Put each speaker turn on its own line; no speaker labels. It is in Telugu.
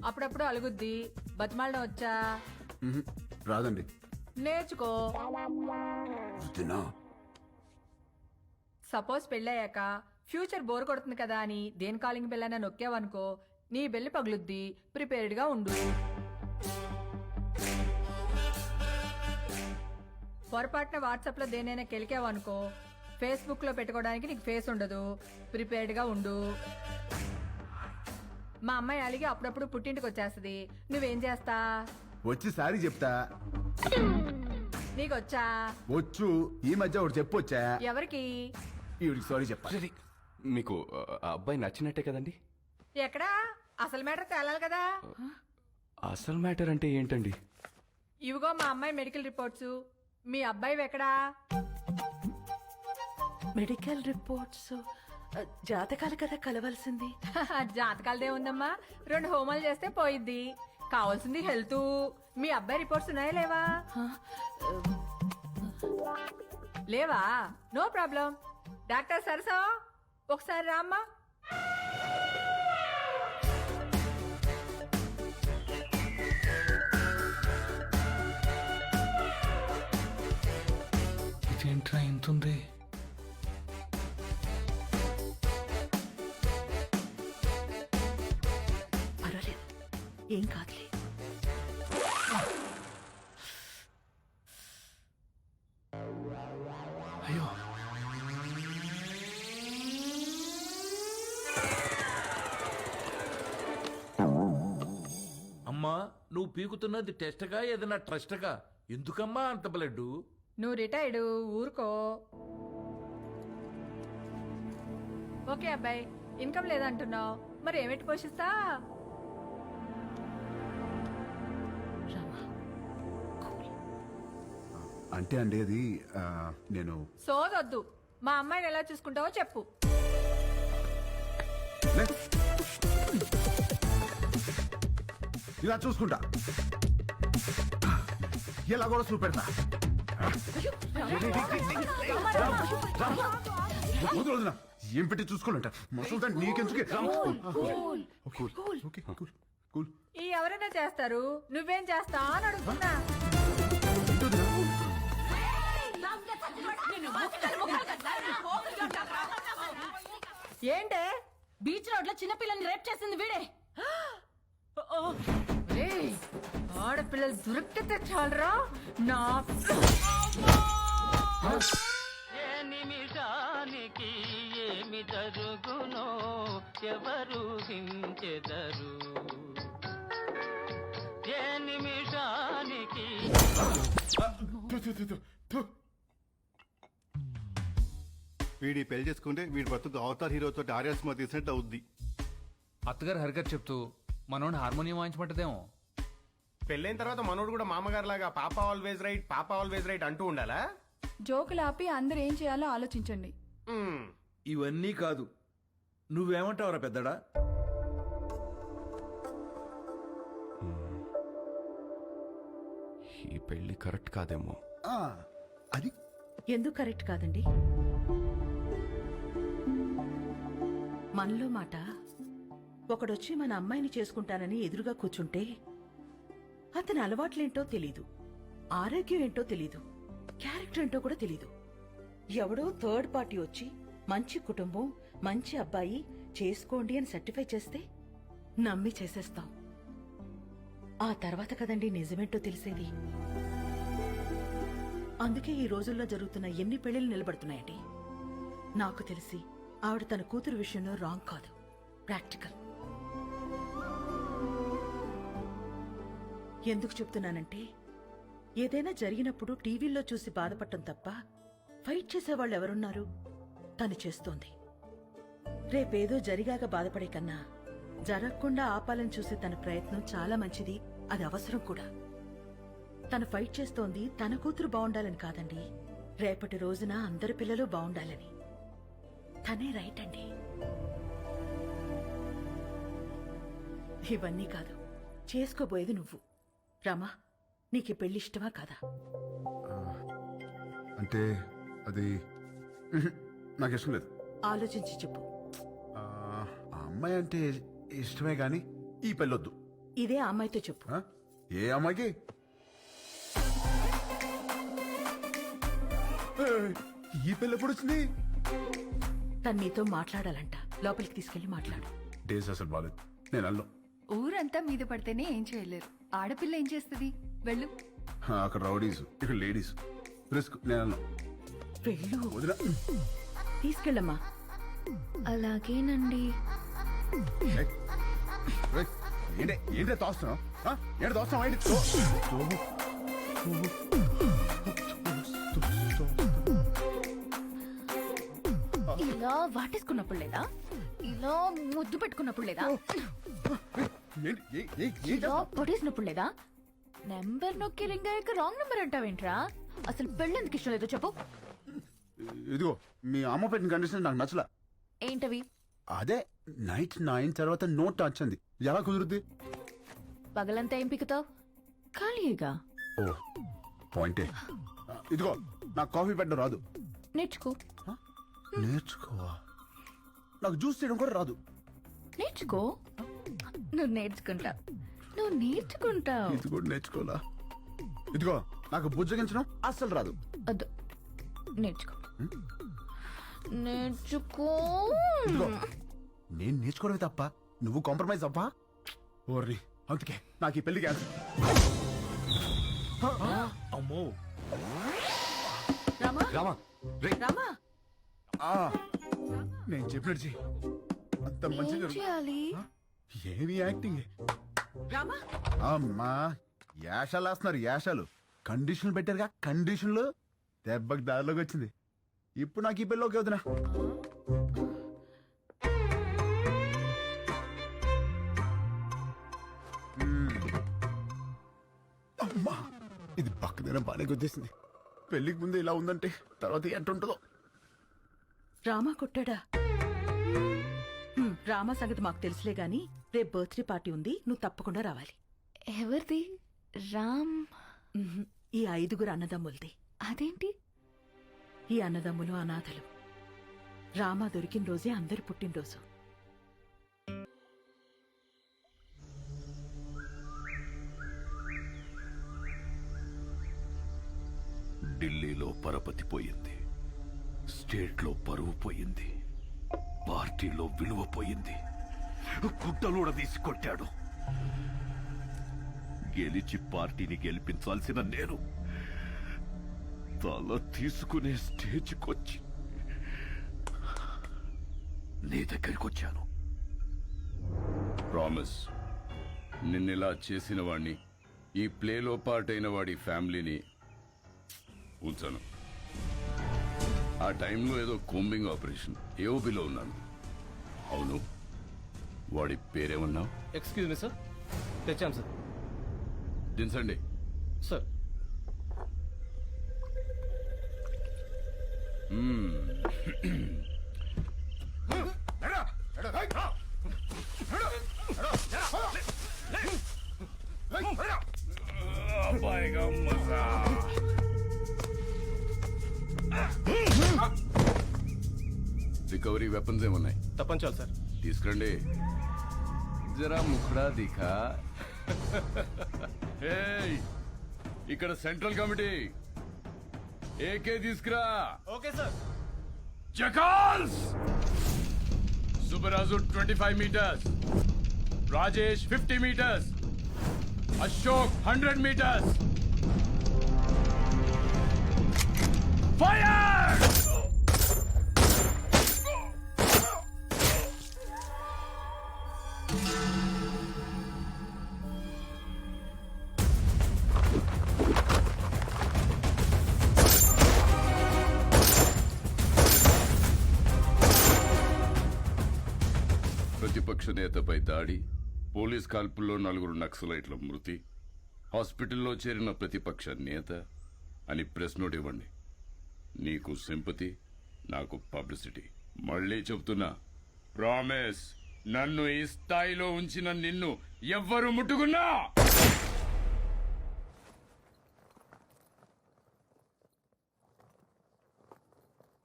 అప్పుడప్పుడు అలుగుద్ది. బతిమాలడం వచ్చా?
రాదండి.
నేర్చుకో.
తినా
సపోజ్ పెళ్ళయ్యాక ఫ్యూచర్ బోర్ కొడుతుంది కదా అని దేని కాలింగ్ బెల్ నొక్కావనుకో, నీ బెల్లి పగులుద్ది. ప్రిపేర్డ్ గా ఉండు. పొరపాటున వాట్సాప్ లో దేనైనా కెలికావనుకో, ఫేస్బుక్ లో పెట్టుకోవడానికి నీకు ఫేస్ ఉండదు. ప్రిపేర్డ్ గా ఉండు. మా అమ్మాయి అలిగి అప్పుడప్పుడు పుట్టింటికి వచ్చేస్తుంది. నువ్వేం చేస్తా?
వచ్చి సారీ చెప్తా.
నీకొచ్చా?
వచ్చు. ఈ మధ్య ఒకటి చెప్పొచ్చా?
ఎవరికి?
ఈవిడికి సారీ చెప్పాలి.
మీకు ఆ అబ్బాయి నచ్చినట్టే కదండి?
ఎక్కడా? అసలు మ్యాటర్ తేలాలి కదా.
అసలు మ్యాటర్ అంటే ఏంటండి?
ఇవిగో మా అమ్మాయి మెడికల్ రిపోర్ట్స్. మీ అబ్బాయి ఎక్కడా?
మెడికల్ రిపోర్ట్స్ జాతకాలు కదా కలవాల్సింది.
జాతకాలదే ఉందమ్మా. 2 హోమాలు చేస్తే పోయిద్ది. కావాల్సింది హెల్త్. మీ అబ్బాయి రిపోర్ట్స్ ఉన్నాయా లేవా? లేవా? No problem. డాక్టర్ సరసా ఒకసారి రామ్మా.
ఇదేంట్రా ఇంతుంది?
పర్వాలేదు, ఏం కాదులే.
అయ్యో,
అమ్మా, నువ్వు పీకుతున్నది టెస్ట్గా ఏదైనా ట్రస్ట్గా? ఎందుకమ్మా అంత బ్లడ్?
నువ్వు రిటైర్డ్, ఊరుకో. ఓకే అబ్బాయి, ఇన్కమ్ లేదంటున్నావు, మరి ఏమిటి పోషిస్తా?
అంటే అండి అది నేను
సోదొద్దు. మా అమ్మాయిని ఎలా చూసుకుంటావో చెప్పు.
లే. ఇలా చూసుకుంటా. ఎలా కూడా చూపెడతా. వదిలేదునా? ఏం పెట్టి చూసుకోవాలంట మసలు నీకెందుకే.
ఈ ఎవరైనా చేస్తారు, నువ్వేం చేస్తా అని అడుగుతున్నా. ఏంటే?
బీచ్ రోడ్ లో చిన్నపిల్లని రేప్ చేసింది వీడే.
ఆడపిల్లలు దొరికితే చాలరా నా.
ఏ నిమిషానికి ఏమి జరుగునో ఎవరు హించెదరు. ఏ నిమిషానికి
వీడి పెళ్లి చేసుకుంటే వీడి బతుకు అవతార్ హీరోతో ఆర్యా సినిమా తీసినట్టు అవుద్ది.
అత్తగారు హరిగారు చెప్తూ మనోడిని హార్మోనియం వాయించమంటదేమో.
పెళ్ళైన తర్వాత మనోడు కూడా మామగారు లాగా పాప ఆల్వేజ్ రైట్, పాప ఆల్వేజ్ రైట్ అంటూ ఉండాలా?
జోకులు ఆపి అందరు ఏం చేయాలో ఆలోచించండి.
ఇవన్నీ కాదు, నువ్వేమంటావురా పెద్దడా?
ఈ పెళ్లి కరెక్ట్ కాదేమో.
అది
ఎందుకు కరెక్ట్ కాదండి? మనలో మాట ఒకడొచ్చి మన అమ్మాయిని చేసుకుంటానని ఎదురుగా కూర్చుంటే అతని అలవాట్లేంటో తెలీదు, ఆరోగ్యం ఏంటో తెలీదు, క్యారెక్టర్ ఏంటో కూడా తెలీదు. ఎవడో థర్డ్ పార్టీ వచ్చి మంచి కుటుంబం, మంచి అబ్బాయి చేసుకోండి అని సర్టిఫై చేస్తే నమ్మి చేసేస్తాం. ఆ తర్వాత కదండి నిజమేంటో తెలిసేది. అందుకే ఈ రోజుల్లో జరుగుతున్న ఎన్ని పెళ్లిళ్ళు నిలబడుతున్నాయండి. నాకు తెలిసి ఆవిడ తన కూతురు విషయంలో రాంగ్ కాదు, ప్రాక్టికల్. ఎందుకు చెప్తున్నానంటే ఏదైనా జరిగినప్పుడు టీవీల్లో చూసి బాధపడటం తప్ప ఫైట్ చేసేవాళ్ళు ఎవరున్నారు? తను చేస్తోంది. రేపేదో జరిగాక బాధపడే కన్నా జరగకుండా ఆపాలని చూసే తన ప్రయత్నం చాలా మంచిది, అది అవసరం కూడా. తను ఫైట్ చేస్తోంది తన కూతురు బాగుండాలని కాదండి, రేపటి రోజున అందరి పిల్లలు బాగుండాలని. తనే రైట్ అండి. ఇవన్నీ కాదు, చేసుకోబోయేది నువ్వు. రామా, నీకు పెళ్లి ఇష్టమా కాదా?
అంటే అది నాకు ఇష్టం లేదు.
ఆలోచించి చెప్పు.
ఆ అమ్మాయి అంటే ఇష్టమే గాని ఈ పెళ్ళొద్దు.
ఇదే ఆ అమ్మాయితో చెప్పు.
ఆ? ఏ అమ్మాయికి? ఏయ్, ఈ పిల్ల ఎప్పుడు వచ్చింది?
తను నీతో మాట్లాడాలంట. లోపలికి తీసుకెళ్లి మాట్లాడు.
డేస్ అసలు బాలేదు, నేను అల్లం.
ఊరంతా మీద పడితేనే ఏం చేయలేరు. ఆడపిల్ల ఏం చేస్తుంది? వెళ్ళు.
అక్కడ రౌడీస్, ఇక్కడ లేడీస్. రిస్క్, నేను అల్లం.
వెళ్ళు,
వదిన.
తీసుకెళ్ళమ్మా.
అలాగేనండి.
ఏయ్, ఏయ్, ఏంటే తోస్తున్నావు? ఏంటి తోస్తున్నావు? ఏంటి
ఇలా వాటేసుకున్నప్పుడు లేదా? ఇలా ముద్దు పెట్టుకున్నప్పుడు లేదా? ఇలా పొడేసినప్పుడు లేదా? నెంబర్ నొక్కి రింగ్ అయ్యాక రాంగ్ నెంబర్ అంటావేంట్రా? అసలు పెళ్ళెందుకు ఇష్టం లేదో చెప్పు.
ఇదిగో మీ అమ్మ పెట్టిన కండిషన్ నాకు నచ్చలా.
ఏంటవి?
అదే నైట్ 9 తర్వాత నో టచ్ అంది. ఎలా కుదురుద్ది?
పగలంతా ఏం పిక్కుతావు? ఖాళీగా
ఓ పాయింటే. ఇదిగో నాకు కాఫీ పెట్టడం రాదు.
నేర్చుకో.
నేర్చుకోవా? నాకు జ్యూస్ చేయడం కూడా రాదు.
నేర్చుకో. నువ్వు నేర్చుకుంటావు. నువ్వు నేర్చుకుంటావు.
ఇది కూడా నేర్చుకోవాలా? ఇదిగో నాకు బుజ్జగించడం అస్సలు రాదు.
వద్దు, నేర్చుకో. నేర్చుకో.
ఇదిగో నేను నేర్చుకోవడమే తప్ప నువ్వు కాంప్రమైజ్ అవ్వా? ఓర్రి, అందుకే నాకు ఈ పెళ్లి క్యాన్సిల్.
అమ్మో.
రామా,
రామా రే,
రామా,
నేను చెప్పినట్టు చెయ్యి. అంత మంచి
ఏం చేయాలి?
ఏమి యాక్టింగ్.
రామా.
అమ్మా యాషాలు వేస్తున్నారు, యాషాలు. కండిషన్లు పెట్టారుగా, కండిషన్లు. దెబ్బకి దారిలోకి వచ్చింది. ఇప్పుడు నాకు ఈ పెళ్ళి ఓకే వదినా. అమ్మా ఇది పక్కదైనా బాగానే గుర్తిస్తుంది. పెళ్లికి ముందు ఇలా ఉందంటే తర్వాత ఎట్టుంటుందో.
రామా కొట్టాడా? రామా సంగతి మాకు తెలుసులే గాని రేపు బర్త్డే పార్టీ ఉంది, నువ్వు తప్పకుండా రావాలి.
ఎవరిది? రామ్?
ఈ 5 అన్నదమ్ములది.
అదేంటి?
ఈ అన్నదమ్ములు అనాథలు. రామా దొరికిన రోజే అందరి పుట్టినరోజు.
ఢిల్లీలో పరపతి పోయింది, స్టేట్లో పరువు పోయింది, పార్టీలో విలువ పోయింది, గుడ్డలూడ తీసుకొట్టాడు. గెలిచి పార్టీని గెలిపించాల్సిన నేను తల తీసుకునే స్టేజ్కొచ్చి నీ దగ్గరికి వచ్చాను. ప్రామిస్, నిన్నెలా చేసిన వాణ్ణి, ఈ ప్లేలో పార్ట్ అయిన వాడి ఫ్యామిలీని ఉంచాను. ఆ టైంలో ఏదో కోంబింగ్ ఆపరేషన్ ఏఓబిలో ఉన్నాను. అవును, వాడి పేరేమన్నావు?
ఎక్స్క్యూజ్ మీ సార్, తెచ్చాం సార్.
దించండి.
సార్
రికవరీ వెపన్స్ ఏమున్నాయి?
తప్పంచాలి సార్.
తీసుకురండి. జరా ముఖడా దిఖా. ఏయ్, ఇక్కడ సెంట్రల్ కమిటీ ఏకే తీసుకురా.
Okay sir.
Jackals. Subbaraju 25 meters, Rajesh 50 meters, Ashok 100 meters. Fire! ప్రతిపక్ష నేతపై దాడి, పోలీస్ కాల్పుల్లో 4 నక్సలైట్ల మృతి, హాస్పిటల్లో చేరిన ప్రతిపక్ష నేత అని ప్రెస్ నోట్ ఇవ్వండి. నీకు సింపతి, నాకు పబ్లిసిటీ. మళ్ళీ చెప్తున్నా, ప్రామిస్, నన్ను ఈ స్థాయిలో ఉంచిన నిన్ను ఎవ్వరు ముట్టుకున్నా